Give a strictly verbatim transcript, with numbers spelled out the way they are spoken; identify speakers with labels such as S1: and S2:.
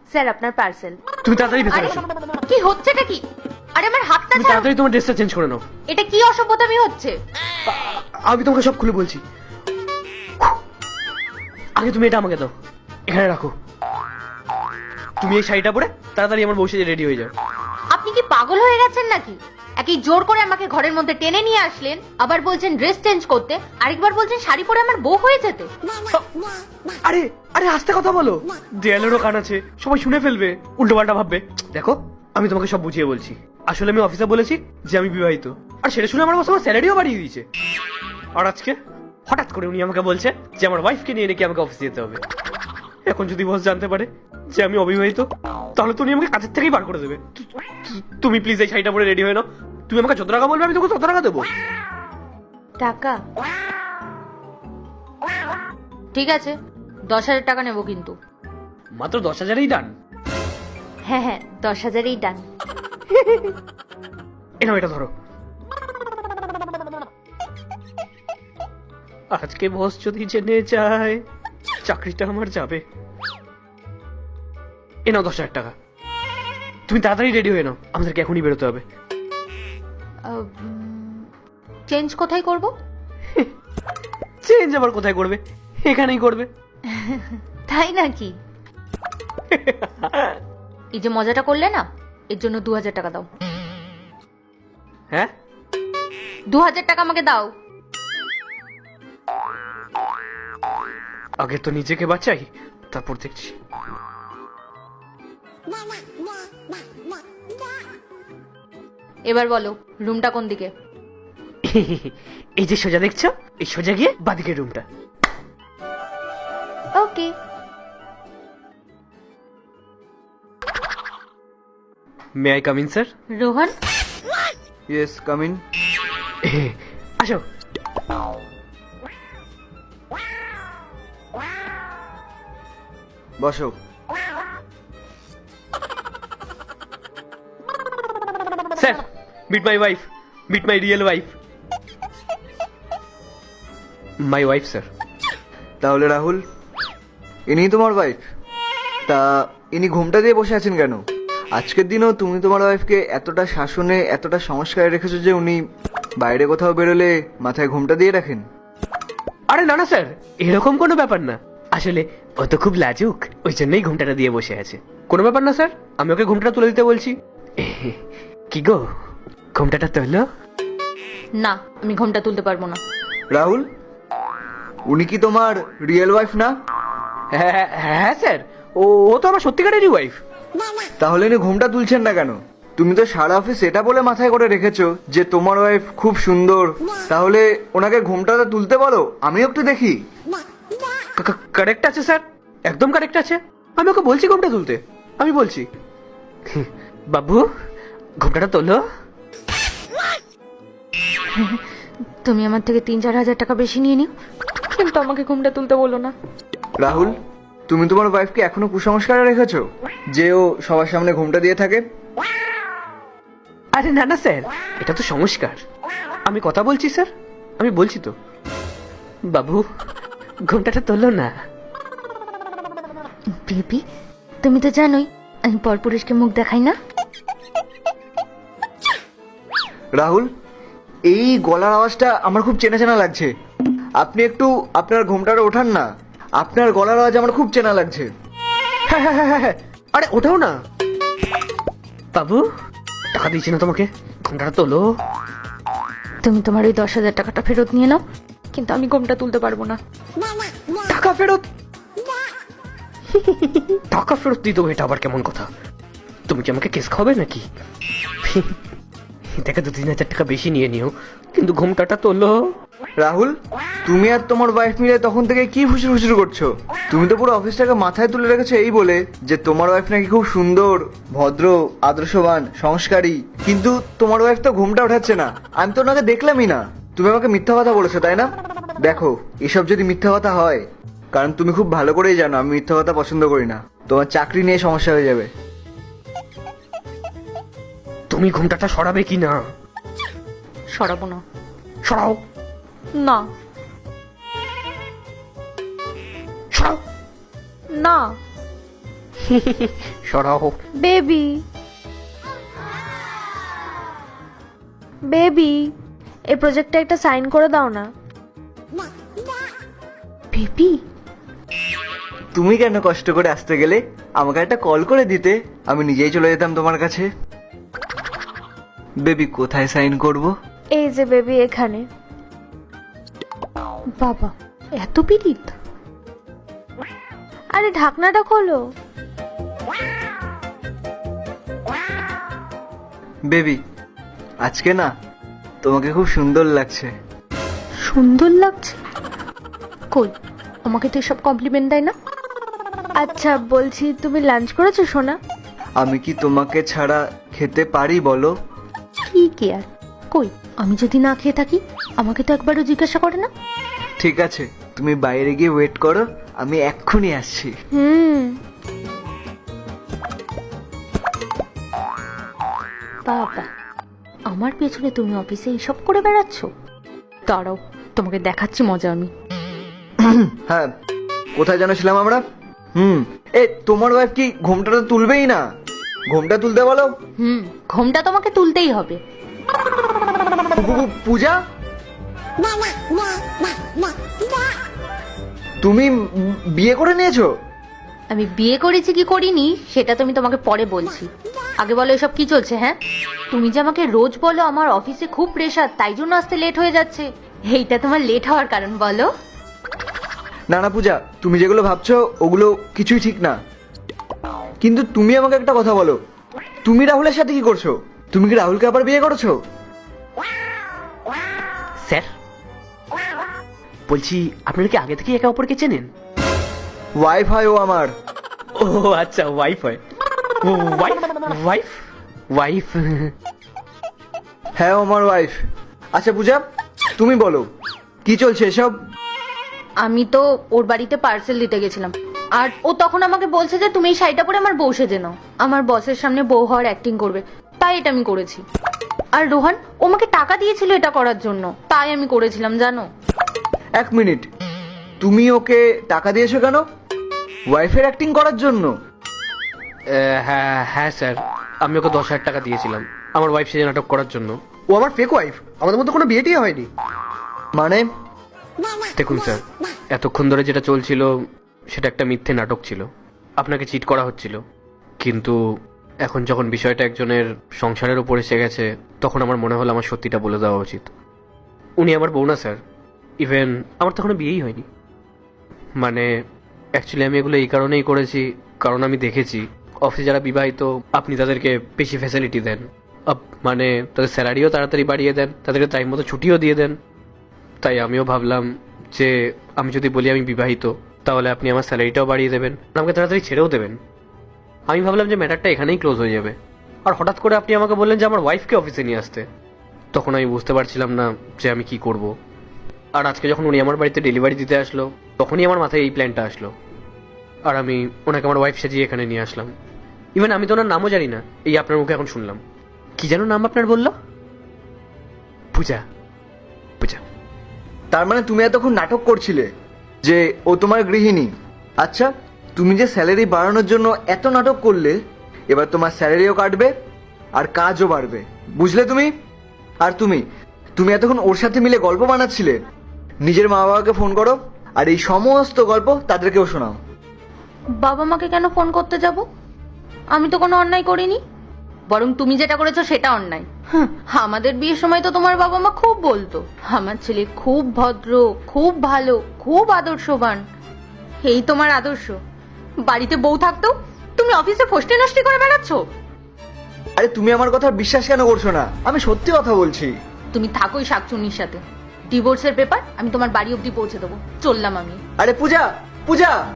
S1: Sir আপনার parcel.
S2: তুমি তাড়াতাড়ি ভেতরে এসো।
S1: কি হচ্ছেটা কি? আরে আমার হাতটা
S2: তুমি
S1: ছাড়ো।
S2: তাড়াতাড়ি তোমার ড্রেসটা চেঞ্জ করে নাও।
S1: এটা কি অসভ্যতামি হচ্ছে?
S2: আমি তোমাকে সব খুলে বলছি। আগে তুমি এটা আমাকে দাও, এখানে রাখো। তুমি এই শাড়িটা পরে তাড়াতাড়ি আমার বউ সেজে রেডি হয়ে যাও।
S1: আপনি কি পাগল হয়ে গেছেন নাকি? একই জোর করে আমাকে ঘরের মধ্যে টেনে নিয়ে আসলেন, আবার বলছেন ড্রেস চেঞ্জ করতে, আরেকবার বলছেন শাড়ি পরে আমার বউ হয়ে যেতে।
S2: আরে আরে আস্তে কথা বলো, দেয়ালেরও কান আছে, সবাই শুনে ফেলবে, উল্টো পাল্টা ভাববে। দেখো আমি তোমাকে সব বুঝিয়ে বলছি। আসলে আমি অফিসে বলেছি যে আমি বিবাহিত, আর সেটা শুনে আমার বস আমার স্যালারিও বাড়িয়ে দিয়েছে। আর আজকে হঠাৎ করে উনি আমাকে বলছে যে আমার ওয়াইফকে নিয়ে নাকি আমাকে অফিসে যেতে হবে। এখন যদি বস জানতে পারে যে আমি অবিবাহিত, তাহলে তো উনি আমাকে কাজের থেকেই বার করে দেবে। তু- তু- তুমি প্লিজ এই শাড়িটা পরে রেডি হয়ে নাও। তুমি আমাকে যত টাকা বলবে আমি তোকে তত টাকা দেবো।
S1: টাকা? ঠিক আছে, দশ হাজার টাকা নেবো কিন্তু।
S2: মাত্র দশ হাজারেই ডান?
S1: হ্যাঁ হ্যাঁ, দশ হাজারেই ডান।
S2: এনাও এটা ধরো। আজকে বস যদি জেনে যায় চাকরিটা আমার যাবে। এনাও দশ হাজার টাকা। তুমি তাড়াতাড়ি রেডি হয়ে নাও, আমাদেরকে এখনই বেরোতে হবে।
S1: চেঞ্জ কোথায় করব?
S2: চেঞ্জ আবার কোথায় করবে? এখানেই করবে।
S1: তাই নাকি? এই যে মজাটা করলে না, এর জন্য দু হাজার টাকা দাও।
S2: হ্যাঁ,
S1: দু হাজার টাকা আমাকে দাও।
S2: আগে তো নিজেকে বাঁচাই, তারপর দেখছি।
S1: এবার বলো, রুমটা কোন দিকে?
S2: এই যে সোজা দেখছো, এই সোজা গিয়ে বাদিকের রুমটা।
S1: Okay.
S2: May I come in sir?
S1: Rohan,
S3: yes, come in.
S2: আসো।
S3: বসো।
S2: Sir, meet my wife, meet my real wife. My wife sir.
S3: তাহলে রাহুল, ইনি তোমার ওয়াইফ? তা ইনি ঘুমটা দিয়ে বসে আছেন কেন? আজকের দিনও তুমি তোমার ওয়াইফকে এতটা শাসনে, এতটা সংস্কারে রেখেছো যে উনি বাইরে কোথাও বেরোলে মাথায় ঘুমটা দিয়ে রাখেন?
S2: আরে না না স্যার, এরকম কোনো ব্যাপার না। আসলে ও তো খুব লাজুক, ওই জন্যই ঘুমটাটা দিয়ে বসে আছে। কোনো ব্যাপার না স্যার, আমি ওকে ঘুমটা তুলে দিতে বলছি। কি গো, ঘুমটাটা তোলো।
S1: না আমি ঘুমটা তুলতে পারবো না।
S3: রাহুল, উনি কি তোমার রিয়েল ওয়াইফ না?
S2: হ্যাঁ হ্যাঁ, হ্যাঁ স্যার, ও ও তো আমার সত্যিকারেরই ওয়াইফ।
S3: তাহলে ইনি ঘুমটা তুলছেন না কেন? তুমি তো সারা অফিস এটা বলে মাথায় করে রেখেছো যে তোমার ওয়াইফ খুব সুন্দর। তাহলে ওনাকে ঘুমটাটা তুলতে বলো, আমিও একটু দেখি।
S2: কারেক্ট আছে স্যার, একদম কারেক্ট আছে। আমি ওকে বলছি ঘুমটা তুলতে, আমি বলছি। বাবু, ঘুমটাটা তোলো।
S1: তুমি আমার থেকে তিন চার হাজার টাকা বেশি নিয়ে নিও, কিন্তু আমাকে ঘুমটা তুলতে বলো না।
S3: রাহুল, তুমি তোমার ওয়াইফকে এখনো কুসংস্কারে রেখেছো যে ও সবার সামনে ঘুমটা দিয়ে থাকে?
S2: আরে না না স্যার, এটা তো সংস্কার। আমি কথা বলছি স্যার, আমি বলছি তো। বাবু, ঘুমটাটা তোলো না।
S1: বেবি, তুমি তো জানোই আমি পরপুরুষকে মুখ দেখাই না।
S3: রাহুল, এই গলার আওয়াজটা আমার খুব চেনা চেনা লাগছে। আপনি একটু আপনার ঘুমটাটা ওঠান না, আপনার গলার আওয়াজ আমার খুব চেনা লাগছে।
S2: হ্যাঁ হ্যাঁ হ্যাঁ হ্যাঁ, আরে ওঠাও না। বাবু, টাকা দিয়েছি না তোমাকে, ঘুমটাটা তোলো।
S1: তুমি তোমার ওই দশ হাজার টাকাটা ফেরত নিয়ে নাও, কিন্তু আমি ঘুমটা তুলতে পারবো না।
S2: টাকা ফেরত? টাকা ফেরত দিতে হবে, এটা আবার কেমন কথা? তুমি কি আমাকে কেস খাবে নাকি? দেখে দু তিন হাজার টাকা বেশি নিয়ে নিও, কিন্তু ঘুমটাটা তোলো।
S3: রাহুল, তুমি আর তোমার ওয়াইফ মিলে তখন থেকে কি ফুসুর ফুসুর করছো? তুমি তো পুরো অফিসটাকে মাথায় তুলে রেখেছো এই বলে যে তোমার ওয়াইফ নাকি খুব সুন্দর, ভদ্র, আদর্শবান, সংস্কারী। কিন্তু তোমার ওয়াইফ তো ঘুমটা ওঠাচ্ছে না। আমি তো ওনাকে দেখলামই না। তুমি আমাকে মিথ্যা কথা বলেছো, তাই না? দেখো, এসব যদি মিথ্যা কথা হয়, কারণ তুমি খুব ভালো করেই জানো আমি মিথ্যা কথা পছন্দ করি না, তোমার চাকরি নিয়ে সমস্যা হয়ে যাবে।
S2: তুমি ঘুমটাটা সরাবে কি না?
S1: সরাবো না।
S2: সরাও।
S1: না
S2: সরাও।
S1: না।
S2: সরাও।
S1: বেবি বেবি এই প্রজেক্টটা একটা সাইন করে দাও না। বেবি
S3: তুমি কেন কষ্ট করে আসতে গেলে? আমাকে একটা কল করে দিতে, আমি নিজেই চলে যেতাম তোমার কাছে। বেবি কোথায় সাইন করব?
S1: এই যে বেবি এখানে। বাবা এত পিরিত। আরে ঢাকনাটা খোলো।
S3: বেবি আজকে না তোমাকে খুব সুন্দর লাগছে।
S1: সুন্দর লাগছে? কই, আমাকে তো এসব কমপ্লিমেন্ট দেয় না। আচ্ছা বলছি, তুমি লাঞ্চ করেছো সোনা?
S3: আমি কি তোমাকে ছাড়া খেতে পারি বলো?
S1: কি কেয়ার? কই, আমি যদি না খেয়ে থাকি আমাকে তো একবারও জিজ্ঞাসা করে না।
S3: ঠিক আছে, তুমি বাইরে গিয়ে ওয়েট করো, আমি এক্ষুনি আসছি।
S1: হুম। বাবা, আমার পেছনে তুমি অফিসে এইসব করে বেড়াচ্ছ? দাঁড়াও, তোমাকে দেখাচ্ছি মজা আমি।
S3: হ্যাঁ, কোথায় যেন ছিলাম আমরা? হুম, এ তোমার ওয়াইফ কি ঘোমটাটা তুলবেই না? ঘোমটা তুলতে বলো।
S1: হুম, ঘোমটা তোমাকে তুলতেই হবে।
S3: পু- পু- পূজা, তুমি উম বিয়ে করে নিয়েছো?
S1: আমি বিয়ে করেছি কি করিনি সেটা তুমি তোমাকে পরে বলছি। আগে বলো এসব কি চলছে? হ্যাঁ, তুমি যে আমাকে রোজ বলো আমার অফিসে খুব প্রেশার, তাই জন্য আসতে লেট হয়ে যাচ্ছে। এইটা তোমার লেট হওয়ার কারণ বলো?
S3: না না পূজা, তুমি যেগুলো ভাবছো ওগুলো কিছুই ঠিক না। কিন্তু তুমি আমাকে একটা কথা বলো, তুমি রাহুলের সাথে কি করছো? তুমি কি রাহুলকে আবার বিয়ে করেছো?
S2: স্যার বলছি, আপনারা কি আগে থেকে একে অপরকে চেনেন?
S3: ওয়াইফ হয় ও আমার।
S2: ও আচ্ছা, ওয়াইফ হয়। ওয়াইফ ওয়াইফ ওয়াইফ
S3: হ্যাঁ, ও আমার ওয়াইফ। আচ্ছা পূজা, তুমি বলো কি চলছে এসব?
S1: আমি তো ওর বাড়িতে পার্সেল দিতে গেছিলাম, আর ও তখন আমাকে বলছে যে তুমি এই শাড়িটা পরে আমার বউ সেজে নাও, আমার বসের সামনে বউ হওয়ার অ্যাক্টিং করবে, তাই এটা আমি করেছি। আর রোহান ও আমাকে টাকা দিয়েছিল এটা করার জন্য, তাই আমি করেছিলাম জানো।
S3: এক মিনিট, তুমি ওকে টাকা দিয়েছো কেন? ওয়াইফের অ্যাক্টিং করার জন্য?
S2: হ্যাঁ হ্যাঁ স্যার, আমি ওকে দশ হাজার টাকা দিয়েছিলাম আমার ওয়াইফ সেজে নাটক করার জন্য। ও আমার ফেক ওয়াইফ, আমাদের মধ্যে কোনো বিয়ে টিয়ে হয়নি।
S3: মানে?
S2: দেখুন স্যার, এতক্ষণ ধরে যেটা চলছিল সেটা একটা মিথ্যে নাটক ছিল, আপনাকে চিট করা হচ্ছিল। কিন্তু এখন যখন বিষয়টা একজনের সংসারের উপর এসে গেছে, তখন আমার মনে হলো আমার সত্যিটা বলে দেওয়া উচিত। উনি আমার বউ না স্যার, ইভেন আমার তখন বিয়েই হয়নি। মানে অ্যাকচুয়ালি আমি এগুলো এই কারণেই করেছি, কারণ আমি দেখেছি অফিসে যারা বিবাহিত আপনি তাদেরকে বেশি ফ্যাসিলিটি দেন, আপ- মানে তাদের স্যালারিও তাড়াতাড়ি বাড়িয়ে দেন, তাদেরকে টাইম মতো ছুটিও দিয়ে দেন। তাই আমিও ভাবলাম যে আমি যদি বলি আমি বিবাহিত, তাহলে আপনি আমার স্যালারিটাও বাড়িয়ে দেবেন, আমাকে তাড়াতাড়ি ছেড়েও দেবেন। আমি ভাবলাম যে ম্যাটারটা এখানেই ক্লোজ হয়ে যাবে। আর হঠাৎ করে আপনি আমাকে বললেন যে আমার ওয়াইফকে অফিসে নিয়ে আসতে। তখন আমি বুঝতে পারছিলাম না যে আমি কি করব। আর আজকে যখন উনি আমার বাড়িতে ডেলিভারি দিতে আসলো, তখনই আমার মাথায় এই প্ল্যানটা আসলো। আর আমি ওনাকে আমার ওয়াইফ সাজিয়ে এখানে নিয়ে আসলাম। ইভেন আমি তো ওনার নামও জানি না, এই আপনার মুখে এখন শুনলাম। কি যেন নাম আপনার বললো? পূজা। পূজা।
S3: তার মানে তুমি এতক্ষণ নাটক করছিলে যে ও তোমার গৃহিণী। আচ্ছা, তুমি যে স্যালারি বাড়ানোর জন্য এত নাটক করলে, এবার তোমার স্যালারিও কাটবে আর কাজও বাড়বে, বুঝলে তুমি? আর তুমি তুমি এতক্ষণ ওর সাথে মিলে গল্প বানাচ্ছিলে। নিজের মা বাবাকে ফোন করো আর এই সমস্ত গল্প তাদেরকেও শোনাও।
S1: বাবা মাকে কেন ফোন করতে যাব? আমি তো কোনো অন্যায় করিনি, বরং তুমি যেটা করেছো সেটা অন্যায়। হুঁ, আমাদের বিয়ের সময় তো তোমার বাবা মা খুব বলতো আমার ছেলে খুব ভদ্র, খুব ভালো, খুব আদর্শবান। এই তোমার আদর্শ? বাড়িতে বউ থাকতো তুমি অফিসে ফষ্টি নষ্টি করে বেড়াচ্ছ।
S3: আরে তুমি আমার কথা বিশ্বাস কেন করছো না? আমি সত্যি কথা বলছি।
S1: তুমি থাকোই শাকচুনির সাথে। ডিভোর্সের পেপার আমি তোমার বাড়ি অবধি পৌঁছে দেবো। চললাম আমি।
S3: আরে পূজা, পূজা।